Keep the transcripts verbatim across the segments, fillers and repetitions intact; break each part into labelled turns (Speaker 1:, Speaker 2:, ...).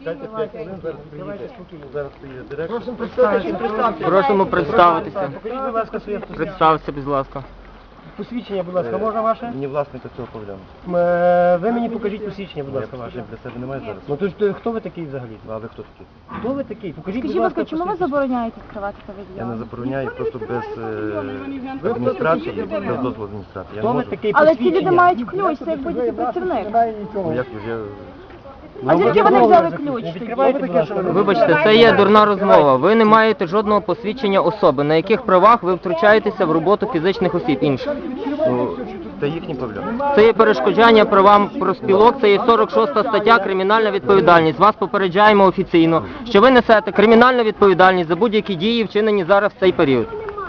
Speaker 1: Чекайте п'ять хвилин, зараз приїде. Зараз приїде директор.
Speaker 2: Просимо представитися.
Speaker 3: Просимо представитися.
Speaker 1: Покажіть, будь ласка, своє посвідчення.
Speaker 3: Представся, будь ласка.
Speaker 1: Посвідчення, будь ласка, можна ваше? Мені власника цього повідомлення. Ви мені покажіть посвідчення, будь ласка, ваше. Я для себе немає зараз. Ну то ж то хто ви такий взагалі? А ви хто такий? Хто ви такий? Покажіть, будь
Speaker 4: Скажіть, будь
Speaker 1: ласка,
Speaker 4: ласка, чому ви
Speaker 1: посвідчення.
Speaker 4: забороняєте скривати
Speaker 1: Я не
Speaker 4: павільйон?
Speaker 1: забороняю, просто без е, адміністрації, без дозволу адміністрації. Я не
Speaker 2: Хто ви
Speaker 1: можу.
Speaker 2: такий
Speaker 4: Але ці люди
Speaker 2: посвідчення?
Speaker 4: мають ключ, це як будь-який працівник.
Speaker 1: Ну як ви, я...
Speaker 4: А звідки вони взяли ключ тоді?
Speaker 1: Відкривайте, будь ласка.
Speaker 3: Вибачте, це є дурна розмова. Ви не маєте жодного посвідчення особи. На яких правах ви втручаєтеся в роботу фізичних осіб інших?
Speaker 1: Ну, це їхні проблеми.
Speaker 3: Це є перешкоджання правам профспілок, це є сорок шоста стаття кримінальна відповідальність. Вас попереджаємо офіційно, що ви несете кримінальну відповідальність за будь-які дії, вчинені зараз в цей період.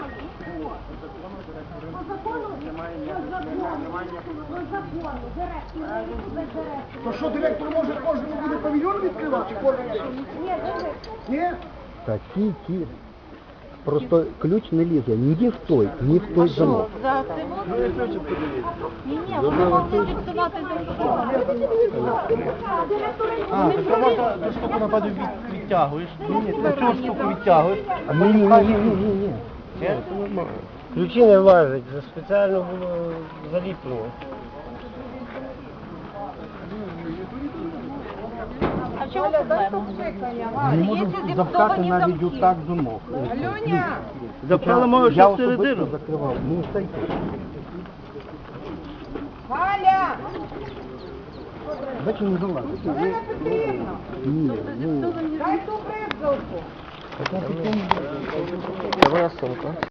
Speaker 2: То що, директор може кожному буде павільйон відкривати? Кожен день? Ні?
Speaker 5: Такі ті. Просто ключ не лізе ні в той, ні в той замок.
Speaker 4: Ні, ні, вони могли фіксувати
Speaker 1: А, так то можна ту штуку нападу від, відтягуєш. Ні, ні, цю штуку відтягуєш.
Speaker 5: А ні, ні, ні, ні, ні, ні.
Speaker 1: Ключі не влазять, це спеціально було заліплено.
Speaker 4: А в чому проблема?
Speaker 5: Не можу запхати навіть отак замок.
Speaker 1: Запхали мою
Speaker 5: Я
Speaker 1: ще всередину.
Speaker 5: особисто закривав. Ну, стайте.
Speaker 2: Галя!
Speaker 5: Бачу, не залазить. Ні, ну...
Speaker 2: Дай ту бризгалку!
Speaker 3: Це моя сумка.